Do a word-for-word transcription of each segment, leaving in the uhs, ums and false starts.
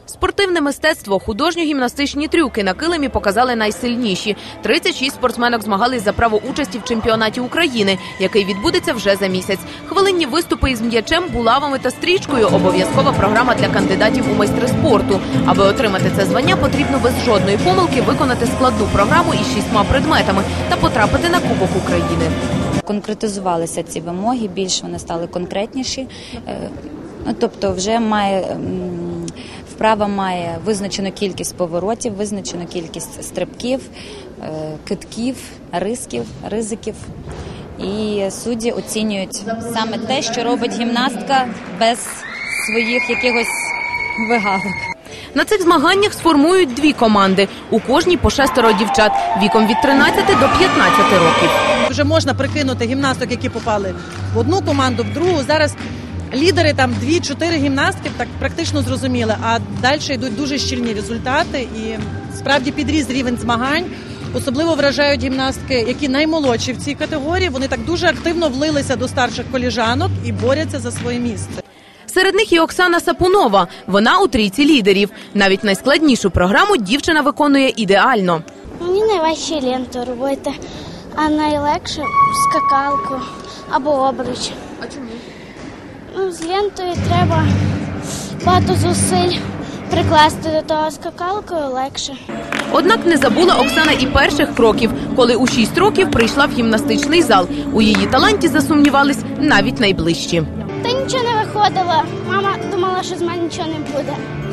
Спортивне мистецтво, художньо-гімнастичні трюки на килимі показали найсильніші. тридцять шість спортсменок змагались за право участі в чемпіонаті України, який відбудеться вже за місяць. Хвилинні виступи із м'ячем, булавами та стрічкою – обов'язкова програма для кандидатів у майстри спорту. Аби отримати це звання, потрібно без жодної помилки виконати складну програму із шістьма предметами та потрапити на Кубок України. Конкретизувалися ці вимоги, більш вони стали конкретніші. Ну, тобто вже має, вправа має визначену кількість поворотів, визначену кількість стрибків, китків, рисків, ризиків. І судді оцінюють саме те, що робить гімнастка без своїх якихось вигалок. На цих змаганнях сформують дві команди. У кожній по шестеро дівчат віком від тринадцяти до п'ятнадцяти років. Вже можна прикинути гімнасток, які попали в одну команду, в другу. Зараз лідери там дві-чотири гімнастки, так практично зрозуміли, а далі йдуть дуже щільні результати і справді підріс рівень змагань. Особливо вражають гімнастки, які наймолодші в цій категорії. Вони так дуже активно влилися до старших коліжанок і борються за своє місце. Серед них і Оксана Сапунова. Вона у трійці лідерів. Навіть найскладнішу програму дівчина виконує ідеально. Мені найважче ленту робити, а найлегше скакалку або обруч. А чому? Ну, з лентою треба багато зусиль прикласти до того, скакалкою легше. Однак не забула Оксана і перших кроків, коли у шість років прийшла в гімнастичний зал. У її таланті засумнівались навіть найближчі. Та нічого не виходило. Мама думала, що з мене нічого не буде.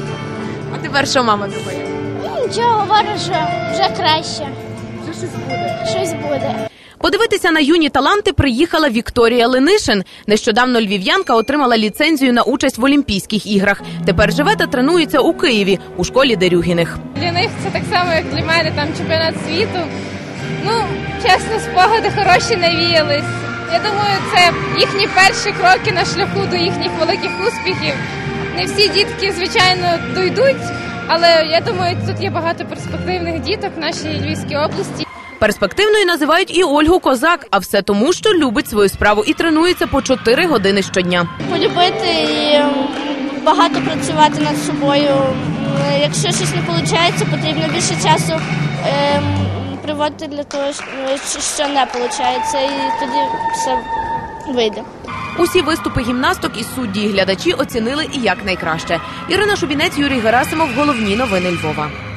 А тепер що мама думає? Ну, нічого, говорю, що вже краще. Вже щось буде. Щось буде. Подивитися на юні таланти приїхала Вікторія Ленишин. Нещодавно львів'янка отримала ліцензію на участь в Олімпійських іграх. Тепер живе та тренується у Києві, у школі Дерюгіних. Для них це так само, як для мене, там чемпіонат світу. Ну, чесно, спогади хороші навіялись. Я думаю, це їхні перші кроки на шляху до їхніх великих успіхів. Не всі дітки, звичайно, дійдуть, але я думаю, тут є багато перспективних діток в нашій Львівській області. Перспективною називають і Ольгу Козак, а все тому, що любить свою справу і тренується по чотири години щодня. Полюбити і багато працювати над собою. Якщо щось не виходить, потрібно більше часу е, приводити для того, що не виходить, і тоді все вийде. Усі виступи гімнасток і судді, і глядачі оцінили і як найкраще. Ірина Шубінець, Юрій Герасимов. Головні новини Львова.